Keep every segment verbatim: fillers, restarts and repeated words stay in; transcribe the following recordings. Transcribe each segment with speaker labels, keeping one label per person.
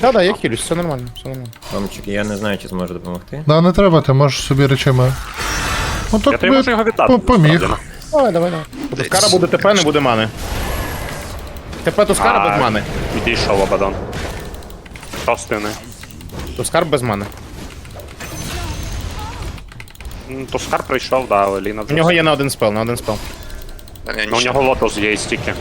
Speaker 1: Да-да, я хилюсь, все нормально, все нормально.
Speaker 2: Ромчик, я не знаю, чи зможу допомогти.
Speaker 3: Да, не треба, ти можеш собі речами. Ну
Speaker 4: Я
Speaker 3: так
Speaker 4: тобі можу його віддати.
Speaker 3: по- поміг.
Speaker 4: насправді.
Speaker 1: Давай, давай, давай. Тускара буде ТП, не буде мани. ТП Тускара
Speaker 4: А,
Speaker 1: без мани.
Speaker 4: Відійшов Абадон. Шостини.
Speaker 1: Тускар без мани.
Speaker 4: М, Тускар прийшов, да, але Ліна
Speaker 1: У
Speaker 4: вже.
Speaker 1: нього є на один спел, на один спел.
Speaker 4: Ну, у нього лотос є і стільки.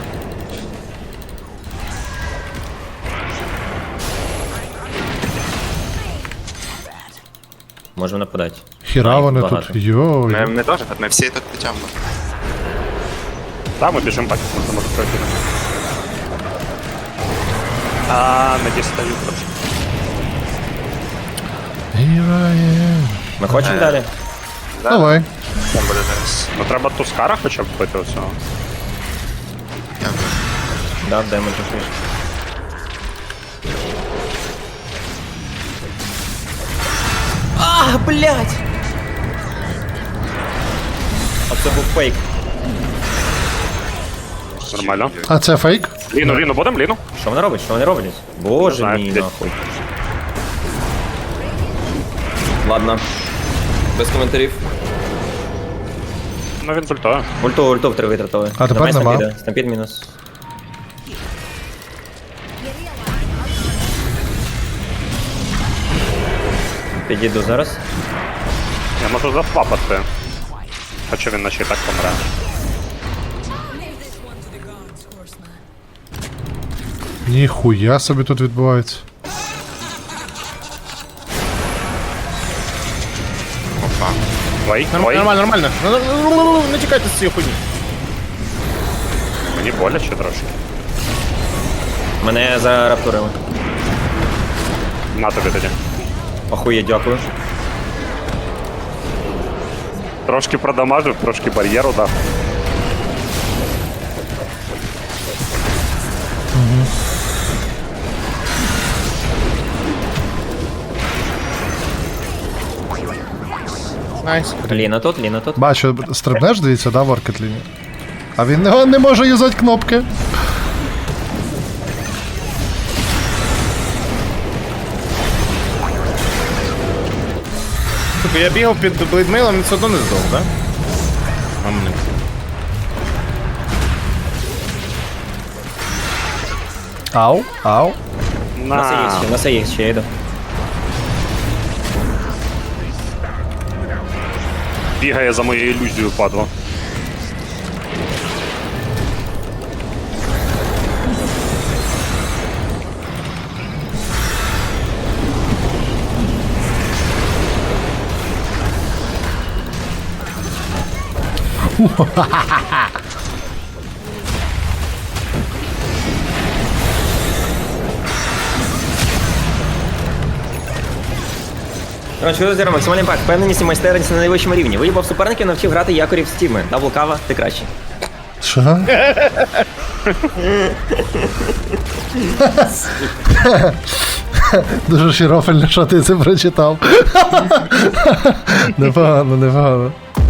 Speaker 2: Можемо нападати.
Speaker 3: Хіра вони
Speaker 2: Багато.
Speaker 3: тут. Йой.
Speaker 5: Ми, ми теж, ми всі тут підтягнемо.
Speaker 4: Так, ми біжимо так, можемо пройти. А, не дістаю трошки.
Speaker 3: Here I am.
Speaker 2: Ми хочемо далі?
Speaker 3: Давай.
Speaker 5: Там буде зараз.
Speaker 4: Ну треба Тускара хоча б бити оцього.
Speaker 5: Дякую.
Speaker 2: Да, дай ми трохи. А, блядь! Оце був фейк.
Speaker 4: Нормально.
Speaker 3: А це фейк?
Speaker 4: Ліну, Ліну, будемо Ліну?
Speaker 2: Що вони роблять? Що вони роблять? Боже
Speaker 4: знаю,
Speaker 2: мій,
Speaker 4: де-
Speaker 2: нахуй. Ладно. Без коментарів.
Speaker 4: Ну він зультує.
Speaker 2: Ульту, ульту втри витратили.
Speaker 3: А тепер
Speaker 2: Давай
Speaker 3: нема.
Speaker 2: Стампіда. Стампід мінус. Підійду зараз.
Speaker 4: Я можу зафлапати. Хоча він наче і так помре.
Speaker 3: Ніхуя собі тут відбувається.
Speaker 5: Опа.
Speaker 4: Ой,
Speaker 1: Норм-
Speaker 4: ой,
Speaker 1: Нормально, нормально. Ну, ну, ну, ну, ну, Не чекайте з цієї хуйні.
Speaker 4: мені боляче трошки.
Speaker 2: Мене зараптурили.
Speaker 4: На тобі тоді.
Speaker 2: Охує, дякую.
Speaker 4: Трошки продамажив, трошки бар'єру дав.
Speaker 1: Найс.
Speaker 2: Ліна тут, Ліна тут.
Speaker 3: Бачу, стрибнеш, дивіться, да, в Оркетліні? А він не, не може юзати кнопки.
Speaker 1: Типу, я бігав під блейдмейлом, він все одно не здох, да? А мене.
Speaker 3: Ау, ау.
Speaker 2: У нас є
Speaker 4: На.
Speaker 2: ще, у нас є ще, я йду.
Speaker 4: Бігає за моєю ілюзією, падло.
Speaker 2: Коротше, що зробимо? Максимальний імпакт. Впевненість і майстерність на найвищому рівні. Виїбав суперників, навчив грати якорів з тіми. Дабл кава, ти кращий.
Speaker 3: Що? Дуже широфельно, що ти це прочитав. Непогано, непогано.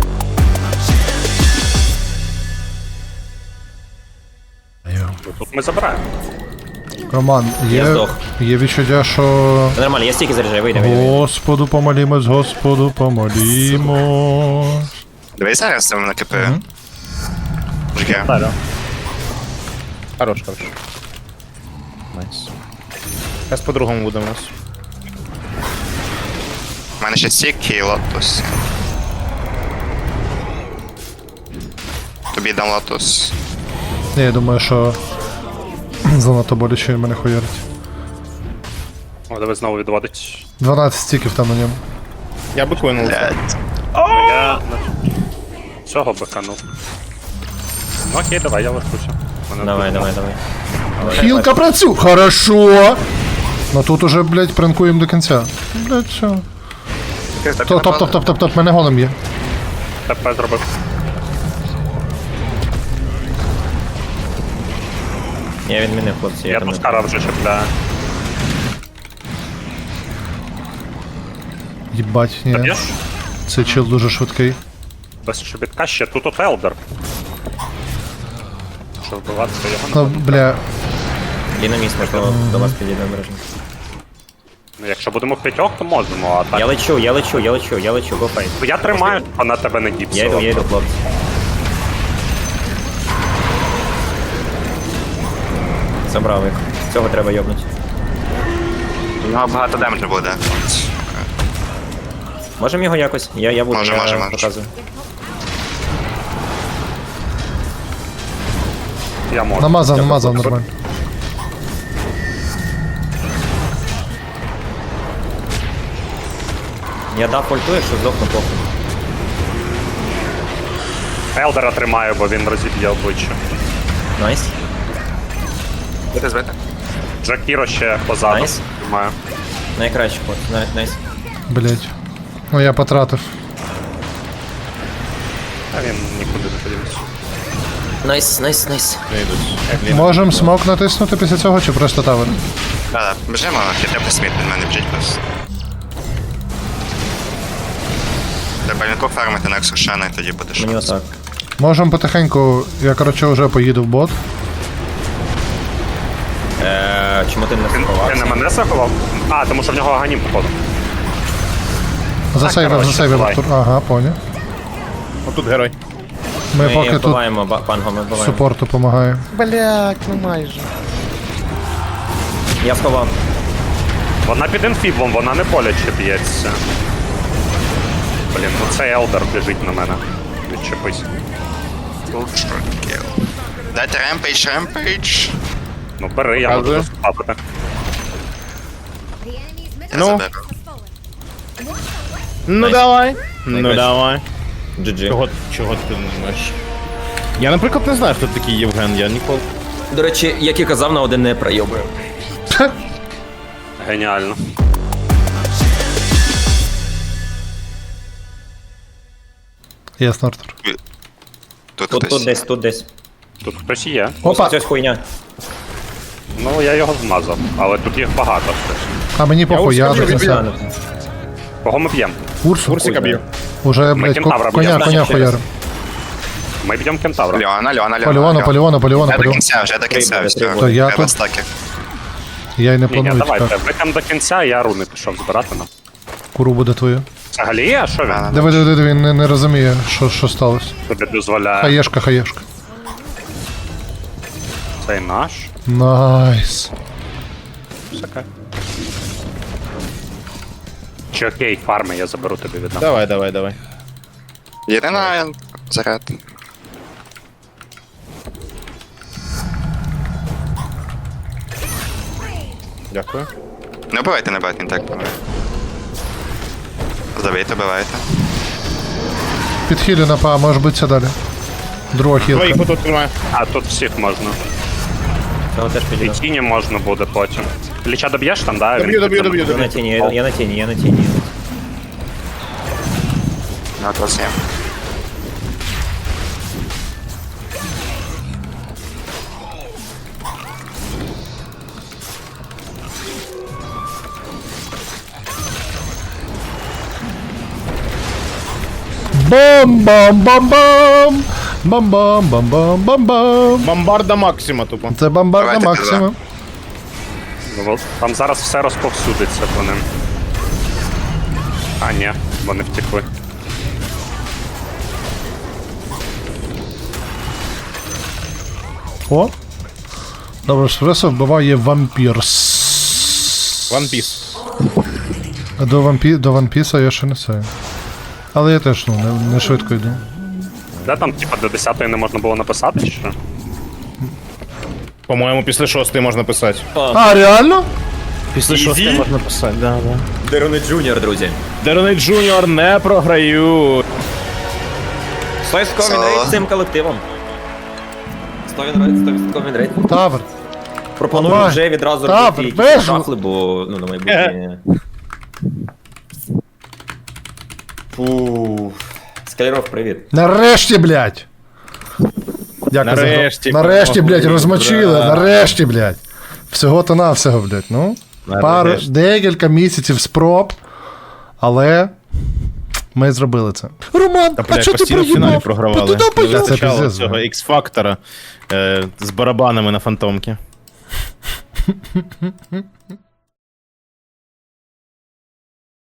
Speaker 3: Йо.
Speaker 4: Тут ми забираємо.
Speaker 3: Роман,
Speaker 2: Я
Speaker 3: є,
Speaker 2: здох.
Speaker 3: є відчуття, що...
Speaker 2: Та нормально, я стільки заряджаю, вийде, вийде. вийде.
Speaker 3: Господу помолімось, Господу помолімось.
Speaker 5: Дивись зараз там на КП. Мужики.
Speaker 1: Далі. Хорош, хорош. Найс. Зараз по-другому буде у нас.
Speaker 5: У мене ще стік і лотус. Тобі дам лотус.
Speaker 3: Ні, я думаю, що занадто боляче він мене хуярить.
Speaker 4: О, давай знову відводить.
Speaker 3: дванадцять стіків там на ньому.
Speaker 1: Я би клинув.
Speaker 5: Блядь.
Speaker 4: Я цього биканув. Ну окей, давай, я лишуся. Мене
Speaker 2: Давай,
Speaker 4: тут
Speaker 2: давай, давай.
Speaker 3: Хілка працює! Хорошо! Ну тут уже, блядь, пранкуємо до кінця. Блядь, все. Топ, топ, топ, топ, топ, топ, мене голем є.
Speaker 4: ТП зробив.
Speaker 2: Я відмінив, хлопці.
Speaker 4: Я
Speaker 2: там не-
Speaker 4: Тускара вже чіпляю.
Speaker 3: Єбать, ні.
Speaker 4: Б'єш?
Speaker 3: Цей чел дуже швидкий.
Speaker 4: Без чобітка ще тут от Елдер. Що вбиватися його не
Speaker 3: Ну, бля,
Speaker 2: Ліна міст, можливо, до вас підійде обережно.
Speaker 4: Ну, якщо будемо в п'ятьох, то можемо, а так.
Speaker 2: Я лечу, я лечу, я лечу, я лечу, go fight.
Speaker 4: Я тримаю, а на тебе не
Speaker 2: Я йду,
Speaker 4: діпсила.
Speaker 2: я йду, хлопці. Забрав їх. Цього треба йобнути.
Speaker 5: У нього багато демеджу буде.
Speaker 2: Можемо його якось? Я, я буду,
Speaker 5: Може,
Speaker 2: я
Speaker 5: може, може.
Speaker 2: показую.
Speaker 4: Я можу.
Speaker 3: Намазав, намазав нормально.
Speaker 2: Я дав пульту, якщо здохну похуй.
Speaker 4: Елдера тримаю, бо він розіб'є обличчя.
Speaker 2: Найс.
Speaker 5: Буде збити?
Speaker 4: Джакіро ще позаду.
Speaker 2: Найс.
Speaker 4: Тримаю.
Speaker 2: Найкраще ход, най- найс.
Speaker 3: Блять. Ну я потратив.
Speaker 4: А він нікуди не подівся.
Speaker 2: Найс, найс, найс.
Speaker 1: Не йдуть.
Speaker 3: Можем смок натиснути після цього чи просто тавер?
Speaker 5: Да-да, біжимо, хітепи сміт від мене біжить просто. Треба лінку фармити на Ексушена і тоді будеш.
Speaker 2: Мені отак.
Speaker 3: Можем потихеньку, я короче вже поїду в бот.
Speaker 2: Е, чому ти не
Speaker 4: Він, він на
Speaker 2: сховався?
Speaker 4: мене заховав? А, тому що в нього аганім походу.
Speaker 3: Засейвив,
Speaker 4: коротше,
Speaker 3: засейвив
Speaker 4: давай.
Speaker 3: Артур. Ага, поняв.
Speaker 1: Отут герой.
Speaker 3: Ми
Speaker 2: Ми
Speaker 3: поки тут
Speaker 2: вбиваємо ба- панго, ми вбиваємо.
Speaker 3: супорту допомагає.
Speaker 1: Блять, ну майже.
Speaker 2: Я сховав.
Speaker 4: Вона під інфіблом, вона не боляче б'ється. Блін, ну це Елдер біжить на мене. Відчепись.
Speaker 5: Дайте ремпейдж, ремпейдж.
Speaker 4: Ну бери, я
Speaker 1: Показую.
Speaker 4: можу заспати.
Speaker 5: Я
Speaker 1: Ну.
Speaker 5: заберу.
Speaker 1: Ну
Speaker 2: Найс.
Speaker 1: давай. Ну
Speaker 2: Найкраще.
Speaker 1: давай.
Speaker 2: джі джі.
Speaker 1: Чого, чого ти не знаєш? Я, наприклад, не знаю, хто такий Євген, я ніколи.
Speaker 2: До речі, як і казав, на один не пройобую.
Speaker 4: Геніально.
Speaker 3: Ясно, Артур.
Speaker 5: Тут
Speaker 2: Тут,
Speaker 5: хтось.
Speaker 2: тут десь, тут десь.
Speaker 4: Тут хтось є.
Speaker 3: Опа!
Speaker 2: Ось хуйня.
Speaker 4: Ну я його змазав, але тут їх багато.
Speaker 3: А мені похуй, я
Speaker 1: ускочив,
Speaker 3: не
Speaker 1: відбив.
Speaker 3: знаю.
Speaker 4: Кого ми б'ємо?
Speaker 3: Урсу.
Speaker 1: Курсика б'ю.
Speaker 3: Уже, блядь,
Speaker 4: кентавра
Speaker 3: ко- коня,
Speaker 4: б'ємо.
Speaker 3: коня
Speaker 2: Ще раз.
Speaker 3: хуярим.
Speaker 4: Ми б'ємо кентавра.
Speaker 5: Льона, Льона, Льона.
Speaker 3: Поліону, поліону, поліону,
Speaker 5: Вже до
Speaker 3: поліону.
Speaker 5: кінця, вже до кінця.
Speaker 2: Три
Speaker 5: все.
Speaker 2: буде, три
Speaker 3: То я
Speaker 5: Треба
Speaker 3: тут,
Speaker 5: стаки.
Speaker 3: я й не
Speaker 4: Ні, ні,
Speaker 3: планую
Speaker 4: давайте,
Speaker 3: чекати.
Speaker 4: ви там до кінця, я руни пішов збирати нам.
Speaker 3: Куру буде твою.
Speaker 4: Взагалі, а що він
Speaker 3: Диви, диви, диви, він не, не розуміє, що, що сталося.
Speaker 4: тобі дозволяє?
Speaker 3: Хаєшка, хаєшка.
Speaker 4: Цей наш.
Speaker 3: Найс.
Speaker 4: Всяке. Чи окей, фарми, я заберу тобі віддам.
Speaker 1: Давай, давай, давай.
Speaker 5: Єдина заряд.
Speaker 1: Дякую.
Speaker 5: Не вбивайте, не байте, він так помре. Забийте, вбивайте.
Speaker 3: Підхилю на па, може бути далі. Друга
Speaker 1: Твоїх
Speaker 3: хілка.
Speaker 1: отут тримаю.
Speaker 4: А тут всіх можна.
Speaker 2: Цього теж
Speaker 4: І
Speaker 2: підійду.
Speaker 4: тіні можна буде потім. Ліча доб'єш там, да?
Speaker 1: Доб'ю, доб'ю, доб'ю,
Speaker 2: Я на
Speaker 1: доб'ю.
Speaker 2: тіні, я, я на тіні, я на тіні.
Speaker 5: Ну, от вас є.
Speaker 3: Бам-бам-бам-бам! Бам-бам-бам-бам-бам-бам!
Speaker 1: Бомбарда Максима тупо.
Speaker 3: Це бомбарда
Speaker 5: Давайте
Speaker 3: Максима.
Speaker 4: Ну, там зараз все розповсюдиться по ним. А, ні, вони втекли.
Speaker 3: О! Добре, Швесо вбиває вампірс.
Speaker 1: One Piece.
Speaker 3: А до, вампі... до вампіса я ще не знаю. Але я теж ну, не, не швидко йду.
Speaker 4: Де там, типа, до десятої не можна було написати, чи що?
Speaker 1: По-моєму, після шостої можна писати.
Speaker 3: А, реально?
Speaker 1: Після шостої можна писати, да, да.
Speaker 2: Дерони Джуніор, друзі.
Speaker 1: Дерони Джуніор не програють.
Speaker 2: Стой з комін цим колективом. сто відсотків рейд.
Speaker 3: Тавер.
Speaker 2: Пропоную
Speaker 3: Давай.
Speaker 2: вже відразу
Speaker 3: Так,
Speaker 2: робити якісь
Speaker 3: бежу.
Speaker 2: шафли, бо ну, на майбутнє. Фу. Скалеров, привіт.
Speaker 3: Нарешті, блядь! Дякую
Speaker 1: Нарешті,
Speaker 3: за гру. Нарешті, блядь,
Speaker 1: кого
Speaker 3: розмочили.
Speaker 1: брат.
Speaker 3: Нарешті, блядь. Всього-то навсього, блядь. Ну, пару,
Speaker 1: Нарешті.
Speaker 3: декілька місяців спроб, але ми зробили це. Роман,
Speaker 1: Та,
Speaker 3: а
Speaker 1: блядь,
Speaker 3: чого ти
Speaker 1: постійно в фіналі
Speaker 3: проїбав?
Speaker 1: програвали.
Speaker 3: Та туди
Speaker 1: Не
Speaker 3: поїхав.
Speaker 1: вистачало
Speaker 3: Це пиздець,
Speaker 1: цього
Speaker 3: блядь.
Speaker 1: X-фактора е, з барабанами на фантомки.